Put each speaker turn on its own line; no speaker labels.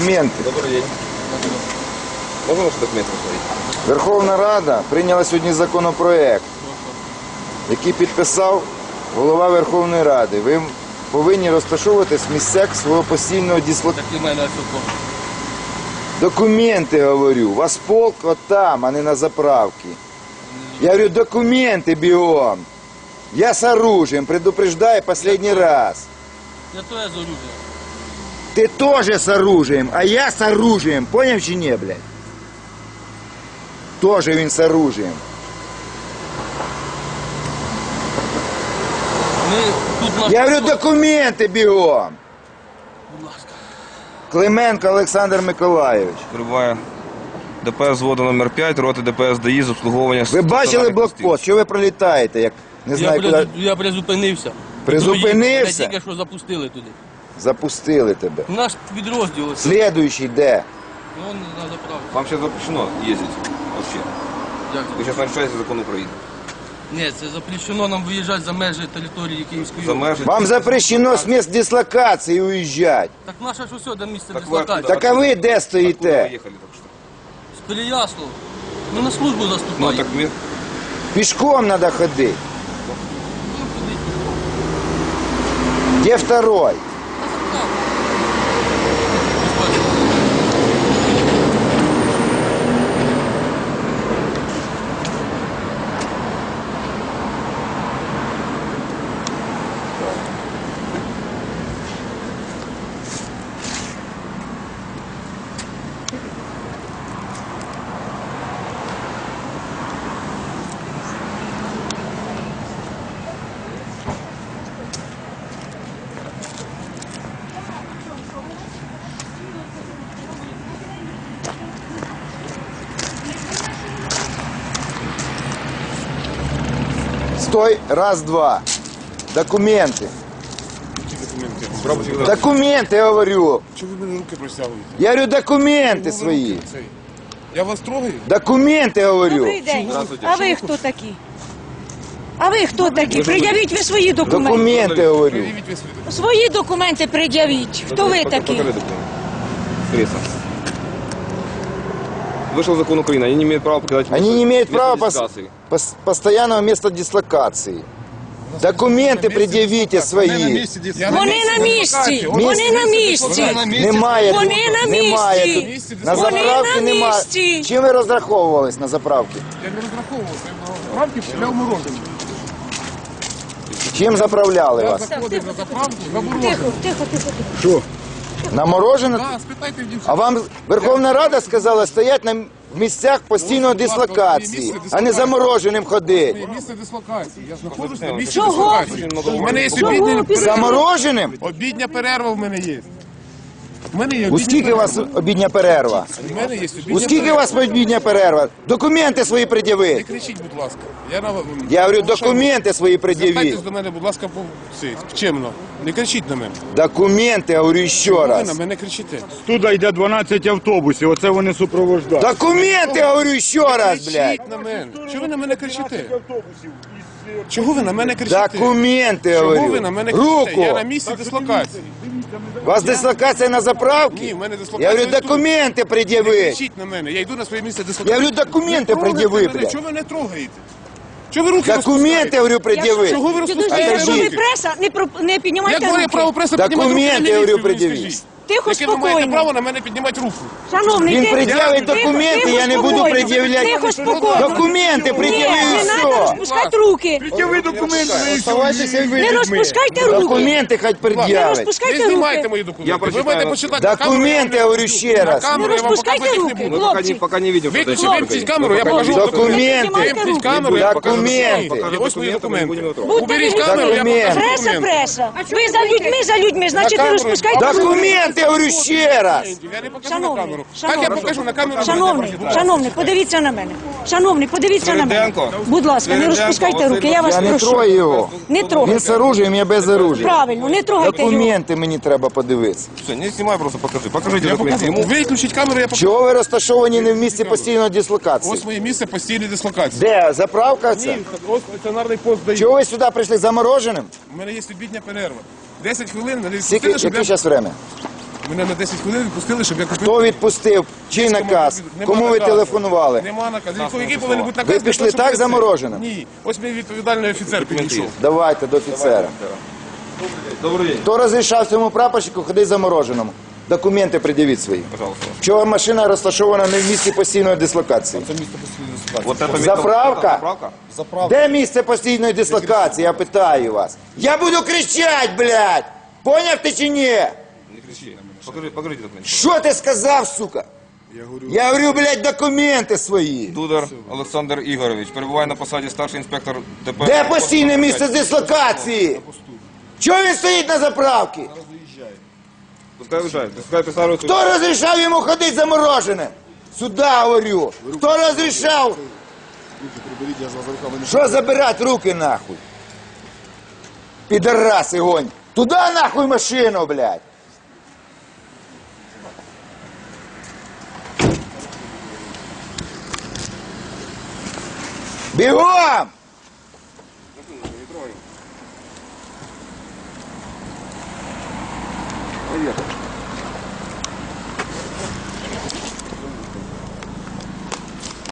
Документи.
Добрый день. Можно ваши документы посмотреть?
Верховна Рада прийняла сьогодні законопроект, який підписав голова Верховної Ради. Ви повинні розташовуватись в місцях свого постійного дислокації.
Так і мене все.
Документи, говорю. У вас полк от там, а не на заправці. Я говорю, документи бігом. Я с оружием, предупреждаю последний раз.
Я то я з оружием.
Ты тоже с оружием, а я с оружием. Понял чи не, блядь? Тоже він з оружием.
Ми тут наш...
Я говорю, документи бігом.
Будь ласка.
Клименко Олександр Миколайович.
Прибуває ДПС взводу номер 5, роти ДПС ДАІ з обслуговування...
Ви бачили блокпост? Що ви пролітаєте? Як не знаю, куди...
Я призупинився.
Призупинився?
Мене тільки що запустили туди.
Запустили тебе.
Наш підрозділ. ось.
Слідуючий де?
Вон на заправці.
Вам сейчас запрещено ездить вообще.
Як
Вы
це?
сейчас нарушаете закон Украины.
Ні, це запрещено нам виїжджати за межі території Київської
За
області.
межі...
Вам запрещено з місць дислокації уїжджати.
Так наше ж усе до місця
Так
дислокації.
ви-
Так а ви де
Откуда вы
стоїте?
ехали только что?
З Переяслава. Ми на службу
Ну
заступаємо.
так мне...
Пішком треба ходити.
Ну, ходіть.
Де второй?
На заправку. Ось бачите.
Стой, раз, два. Документи.
Документи.
Документи, я говорю.
Чого ви мені руки простягуєте?
Я говорю, документи
Чого ви
свої.
руки цей? Я вас трогаю?
Документи, говорю.
Добрий день.
Здравствуйте.
А ви хто такі? А ви хто такі? Пред'явіть ви свої документи.
Документи, говорю.
Проявіть ви свої документи.
Свої документи пред'явіть. Хто ви такі?
Покажи документы. Пресса. Вышел закон Украины, они не имеют права покидать
Они не имеют права
дислокации.
постоянного места дислокации. Документи пред'явіть свої.
Я
Вони на місці. Вони на місці.
Немає
Вони
тут.
на
Немає
місці.
тут. На
Вони
заправці
на
немає.
місці.
Чим ви розраховувались на заправці?
Я не розраховувався. Рамки для мороженого.
Чим заправляли
Я
вас?
заходив на заправку за
Тихо,
мороженого.
тихо, тихо.
Що? На морожене?
Так, спитайте в дівчат.
А вам Верховна Рада сказала стоять на місцях постійної дислокації, а не замороженим ходити.
Моє місце дислокації. Я знаходжусь на місці
Чого?
дислокації. У мене є
Чого?
обідня перерва.
Замороженим?
Обідня перерва в мене є. У мене є
У
обідня
скільки у вас
перерва.
обідня перерва?
У мене є обідня
У скільки у
перерва.
вас обідня перерва? Документи свої
Не
пред'явіть.
кричіть, будь ласка.
Я говорю, документи свої пред'явіть.
Звертайтесь до мене, будь ласка, чемно. Не кричіть на мене.
Документи, говорю ще
Ви на
раз.
мене кричите.
Туди йде 12 автобусів, оце вони супроводжають.
Документи, говорю ще раз, блядь.
Кричіть на мене. Чого ви на мене кричите? Чого ви на мене кричите?
Документи,
Чого ви
говорю.
на мене кричите? Я на
Руку.
місці дислокації.
У вас дислокація на
Ні,
заправці?
в мене
Я
дислокація
говорю,
тут.
документи
Не
пред'явіть.
кричіть на мене. Я йду на своє місце
Я
дислокації.
говорю, документи
Не трогайте
пред'яви,
мене.
блядь.
Чого ви не трогаєте? Чого ви руки
Документи,
розпускаєте?
говорю, пред'явіть.
Чого ви
Підожди,
розпускаєте
якщо ви
руки?
преса, не піднімайте
Як моє
руки.
право преса
Документи,
піднімати руки на
говорю,
міліцію, ви мені
пред'явіть.
скажіть?
Тихо,
Яке ви маєте
спокійно.
право на мене піднімати руку?
Шановний,
Він
тихо,
пред'явить
тихо,
документи,
тихо,
я не буду
спокійно.
пред'являти.
Тихо, спокійно.
Документи
Ні,
пред'яви і
не треба
все.
розпускати руки.
Ви документи
Оставайтеся і ви
Не
людьми.
розпускайте руки.
Документи хоч
Не
пред'явить.
Не
розпускайте
знімайте
руки.
мої
Я
документи. Ви
прочитаю.
маєте почитати. На камеру
Документи,
я
говорю ще
на
раз.
камеру
Не
я вам
розпускайте
показувати їх
руки,
не буду.
хлопці.
Пока не видим, что это
Виключи, вимкніть камеру, я покажу
Документи.
Вимкніть камеру, я покажу
Документи.
документи. Ось мої документи.
Будьте
Уберіть
ви-
камеру, я
Документи.
покажу
Преса,
документи.
преса. Ви за людьми, значить не
камеру.
розпускайте руки.
Документи, говорю ще раз.
Я не покажу на
Шановний,
камеру. Так я
шановний,
покажу на камеру.
шановний, подивіться на мене. Шановний, подивіться на мене.
Свириденко.
Будь ласка, не
Свириденко,
розпускайте руки, я
Я
вас
не
прошу.
трою його.
Не
Він
трогайте.
з оружием, я без оружия.
Правильно, не трогайте його.
Документи мені треба подивитися.
Все, не снимай, просто покажи. Покажите
Я
документы
покажу.
ему.
Виключіть камеру, я покажу.
Чого ви розташовані не в місці постійної дислокації?
Ось моє місце постійної дислокації.
Де? Заправка це?
Ось стаціонарний пост дає.
Чого ви сюди прийшли замороженим?
У мене є обідня перерва. 10 хвилин, мене
Скільки,
відпустили, щоб
яке
я...
зараз время?
Мене на 10 хвилин відпустили, щоб я купив.
Хто відпустив? Чий наказ?
Нема
Кому ви
наказу.
телефонували?
Нема наказу. Який повинен бути наказ?
Ви
для
пішли
того, щоб
так
це?
замороженим?
Ні. Ось мій відповідальний офіцер підійшов.
Давайте до офіцера.
Добрий день.
Хто розрішав цьому прапорщику ходити замороженому? Документи пред'явіть свої.
Пожалуйста.
Чого машина розташована не в місці постійної дислокації?
Це місто постійної ситуації.
Вот это
Заправка?
Заправка?
Заправка.
Де місце постійної дислокації? Я питаю вас. Я буду кричати, блядь! Поняв ти чи ні?
Не кричи. Покажите документы.
Що ти сказав, сука? Я говорю, блядь, документи свої.
Дудар Олександр Ігорович перебуває на посаді старший інспектор ДПС.
Де постійне місце дислокації? Чого він стоїть на заправці?
Пускай виїжджає. Пускай писали.
Хто розрішав йому ходити замороженим? Сюда говорю. Хто розрішав? Що забирати руки нахуй? Підараси гонь. Туда нахуй машину, блядь. Бігом! Поїхали.